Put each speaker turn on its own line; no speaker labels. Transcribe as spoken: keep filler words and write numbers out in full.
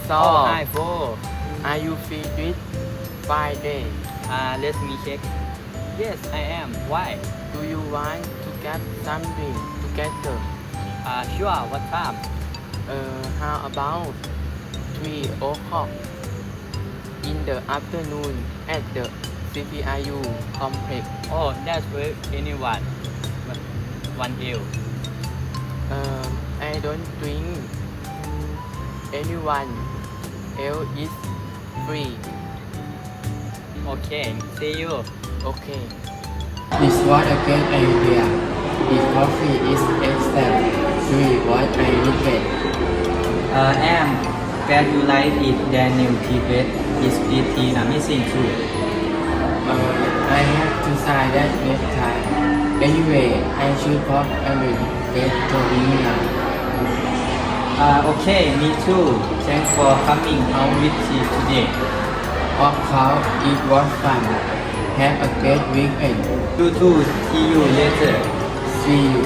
So,
Oh, hi, Fo.
are you free this Friday?
Uh, let me check. Yes, I am. Why?
Do you want to get something together?
Uh, sure. What time?
Uh, how about three o'clock in the afternoon at the C P I U complex?
Oh, that's with anyone. One hill.
Uh, I don't think anyone else is free.
Okay. See you.
Okay. This was a great idea. If coffee is excellent, we what I needed.
Uh, Am, glad you like it. Daniel Tibet is pretty amazing too.
Uh, I have to sign that next time. Anyway, I should probably get going now.
Uh, okay, me too. Thanks for coming out with me today.
Of course, it was fun. Have a great weekend.
You too. See you later.
See you.